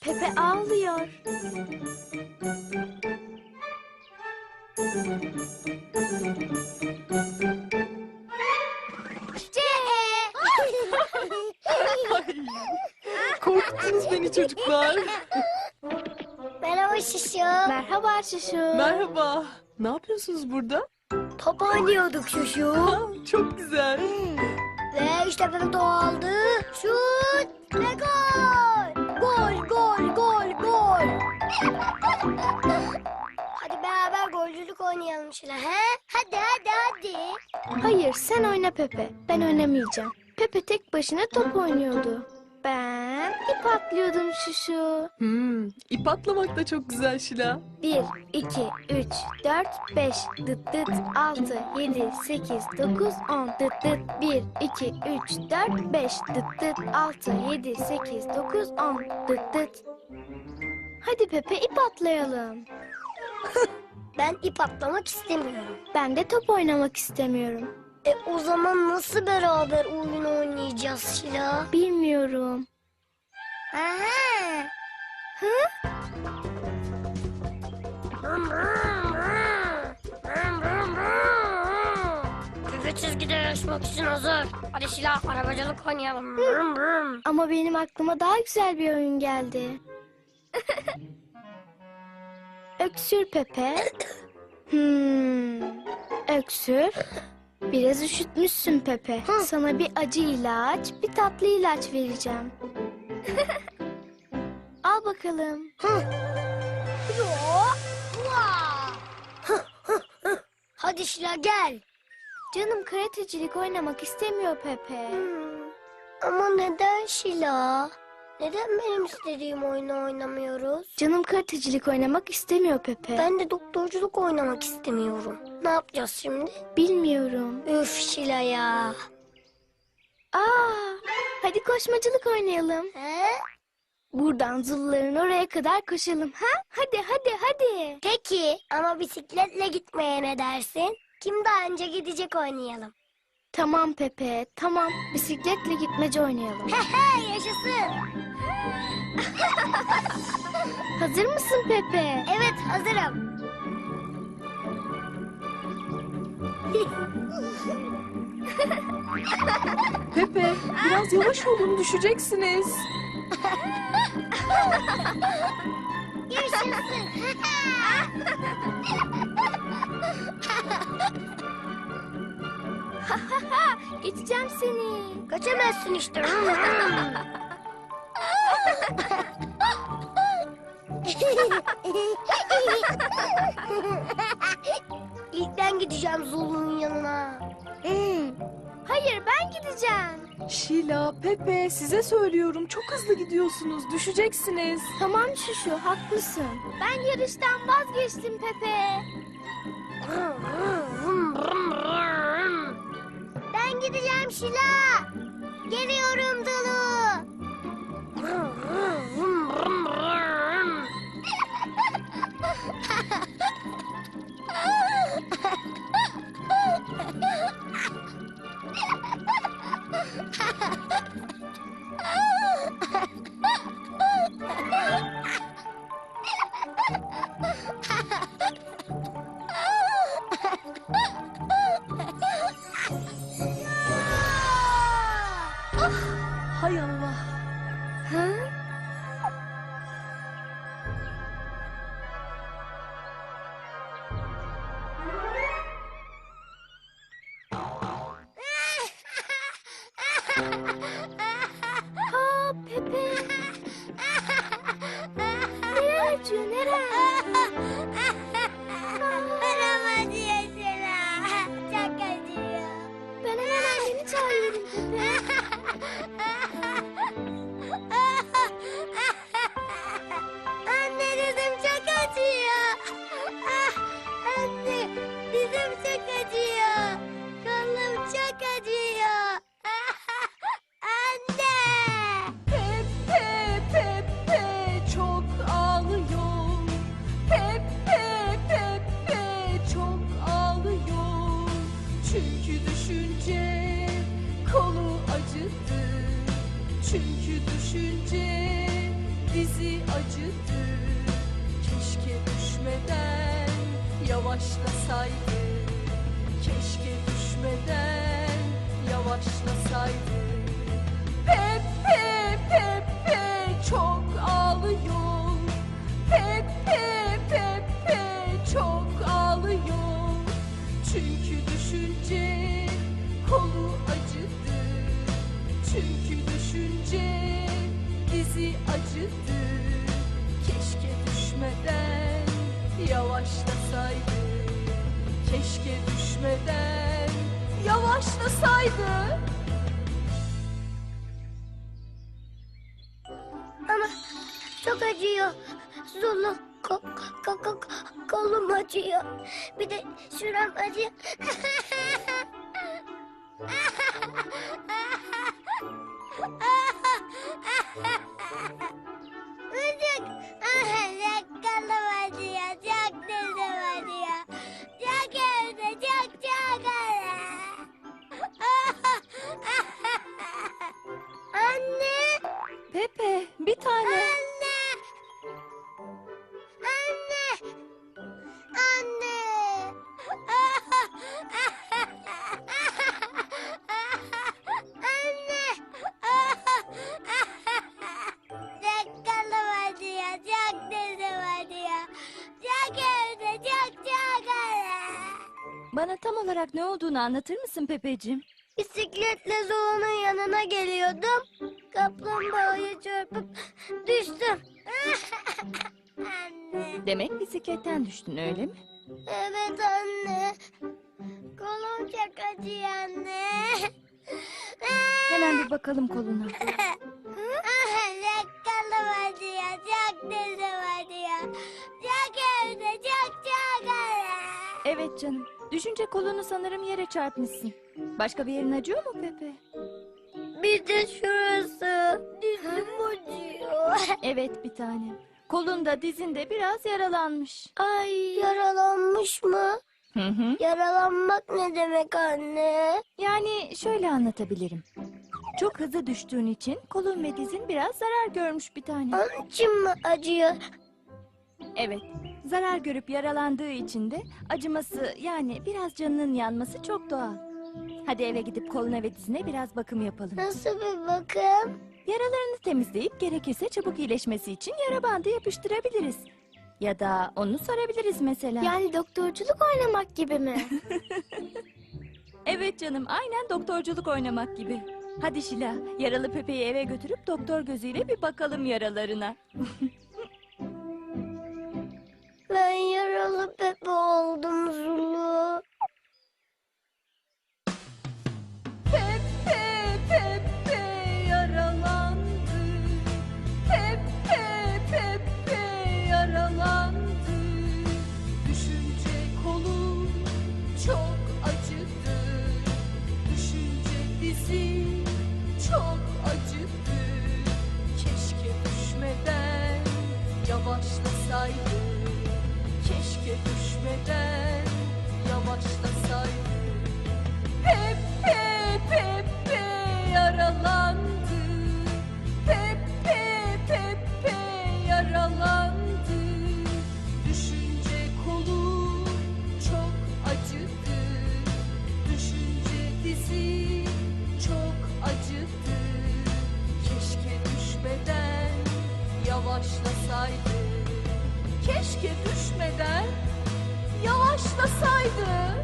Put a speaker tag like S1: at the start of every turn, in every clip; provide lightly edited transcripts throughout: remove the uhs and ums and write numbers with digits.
S1: Pepe ağlıyor.
S2: Korkuttunuz beni çocuklar.
S3: Merhaba Şişo.
S1: Merhaba Şuşu.
S2: Merhaba. Ne yapıyorsunuz burada?
S3: Top oynuyorduk Şuşu.
S2: Çok güzel.
S3: Ve işte Pepe topu aldı. Şut ve gol. Gol, gol, gol, gol. Hadi beraber golcülük oynayalım Şila. He? Hadi, hadi, hadi.
S1: Hayır, sen oyna Pepe. Ben oynamayacağım. Pepe tek başına top oynuyordu. Ben ip atlıyordum Şuşu.
S2: İp atlamak da çok güzel Şila.
S1: 1, 2, 3, 4, 5, dıt dıt, 6, 7, 8, 9, 10, dıt dıt, 1, 2, 3, 4, 5, dıt dıt, 6, 7, 8, 9, 10, dıt dıt. Hadi Pepe ip atlayalım.
S3: Ben ip atlamak istemiyorum.
S1: Ben de top oynamak istemiyorum.
S3: O zaman nasıl beraber oyun oynayacağız Şila?
S1: Bilmiyorum.
S3: Aha. Pepe çizgide yarışmak için hazır. Hadi Şila arabacılık oynayalım.
S1: Ama benim aklıma daha güzel bir oyun geldi. Öksür Pepe. Öksür. Biraz üşütmüşsün Pepe. Sana bir acı ilaç, bir tatlı ilaç vereceğim. Al bakalım.
S3: Hadi Şila gel.
S1: Canım karatecilik oynamak istemiyor Pepe.
S3: Ama neden Şila? Neden benim istediğim oyunu oynamıyoruz?
S1: Canım karatecilik oynamak istemiyor Pepe.
S3: Ben de doktorculuk oynamak istemiyorum. Ne yapacağız şimdi?
S1: Bilmiyorum.
S3: Üf Şila ya.
S1: Hadi koşmacılık oynayalım.
S3: He?
S1: Buradan Zuluların oraya kadar koşalım. Ha? Hadi hadi hadi.
S3: Peki ama bisikletle gitmeye ne dersin? Kim daha önce gidecek oynayalım.
S1: Tamam Pepe, tamam. Bisikletle gitmece oynayalım.
S3: Hehe yaşasın.
S1: Hazır mısın Pepe?
S3: Evet hazırım.
S2: Pepe, biraz yavaş olun, düşeceksiniz.
S3: Yaşasın.
S1: Geçeceğim seni.
S3: Kaçamazsın işte. İlk ben gideceğim Zulu'nun yanına.
S1: Hayır ben gideceğim.
S2: Şila, Pepe, size söylüyorum. Çok hızlı gidiyorsunuz, düşeceksiniz.
S1: Tamam Şuşu haklısın. Ben yarıştan vazgeçtim Pepe.
S3: Ben gideceğim Şila. Geliyorum Zulu.
S2: Hay Allah.
S1: Ha? Pepe. Neren acıyor neren?
S3: Param acıyor Şila. Çok acıyor.
S1: Ben hemen annemi çağırıyorum Pepe.
S3: Anne dizim çok acıyor. Anne dizim çok acıyor. Kolum çok acıyor. Anne.
S2: Pepe, Pepe çok ağlıyor.
S4: dizi acıdı. Keşke düşmeden yavaşlasaydı. Keşke düşmeden yavaşlasaydı. Pepe Pepe çok ağlıyor. Pepe Pepe çok ağlıyor. Çünkü düşünce kolu acıdı. Çünkü düşünce dizi acıdı. Keşke düşmeden yavaşlasaydı. Keşke düşmeden yavaşlasaydı.
S3: Ama çok acıyor. Zulu kolum acıyor. Bir de şuram acıyor. Müzik. Kolum acıyor. Çok dizim acıyor. Çok evde çok Anne.
S2: Pepe, bir tane.
S3: Anne! Anne! Anne! Anne! Çok kalım acıyor, çok dizim acıyor. Çok evde, çok
S2: Bana tam olarak ne olduğunu anlatır mısın Pepeciğim?
S3: Bisikletle Zulu'nun yanına geliyordum. Kaplumbağaya çarpıp düştüm. Anne.
S2: Demek bisikletten düştün öyle mi?
S3: Evet anne. Kolum çok acıyor anne.
S2: Hemen bir bakalım koluna.
S3: Çok kolum acıyor, çok dizim acıyor. Çok evde, çok
S2: Evet canım. Düşünce kolunu sanırım yere çarpmışsın. Başka bir yerin acıyor mu Pepe?
S3: Bir de şurası. Dizim acıyor.
S2: Evet bir tane. Kolunda dizinde biraz yaralanmış.
S3: Ay yaralanmış mı?
S2: Hı hı.
S3: Yaralanmak ne demek anne?
S2: Yani şöyle anlatabilirim. Çok hızlı düştüğün için kolun ve dizin biraz zarar görmüş bir tane.
S3: Onun için mi acıyor?
S2: Evet. Zarar görüp yaralandığı için de acıması yani biraz canının yanması çok doğal. Hadi eve gidip koluna ve dizine biraz bakım yapalım.
S3: Nasıl bir bakım?
S2: Yaralarını temizleyip gerekirse çabuk iyileşmesi için yara bandı yapıştırabiliriz. Ya da onu sarabiliriz mesela.
S1: Yani doktorculuk oynamak gibi mi?
S2: Evet canım, aynen doktorculuk oynamak gibi. Hadi Şila, yaralı Pepe'yi eve götürüp doktor gözüyle bir bakalım yaralarına.
S3: Ben yaralı Pepe oldum Zulu.
S4: Pepe Pepe yaralandı. Pepe Pepe yaralandı. Düşünce kolum çok acıdı. Düşünce dizim çok acıdı. Keşke düşmeden yavaşlasaydı. Keşke düşmeden yavaşlasaydı. Pepe Pepe yaralandı. Pepe Pepe yaralandı. Düşünce kolum çok acıdı. Düşünce dizi çok acıdı. Keşke düşmeden yavaşlasaydı. Keşke düşmeden yavaşlasaydı.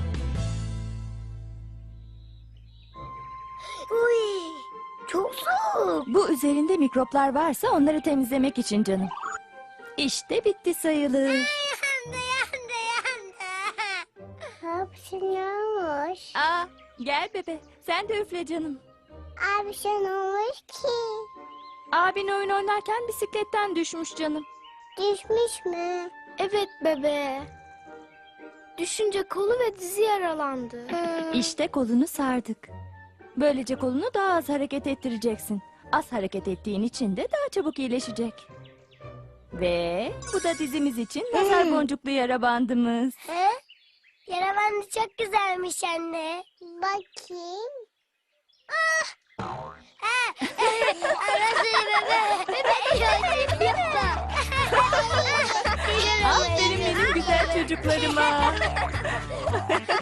S3: Uy, çok soğuk.
S2: Bu üzerinde mikroplar varsa onları temizlemek için canım. İşte bitti sayılır.
S3: Yandı yandı yandı. Ne yapıyormuş?
S2: Aa, gel bebe, sen de üfle canım.
S3: Abi şey ne olmuş ki?
S2: Abin oyun oynarken bisikletten düşmüş canım.
S3: Düşmüş mü?
S1: Evet bebe. Düşünce kolu ve dizi yaralandı.
S2: İşte kolunu sardık. Böylece kolunu daha az hareket ettireceksin. Az hareket ettiğin için de daha çabuk iyileşecek. Ve bu da dizimiz için nazar boncuklu yara bandımız.
S3: He? Yara bandı çok güzelmiş anne. Bakayım. Ah! Ha! Arası bebe. Bebe.
S2: ayaklarıma.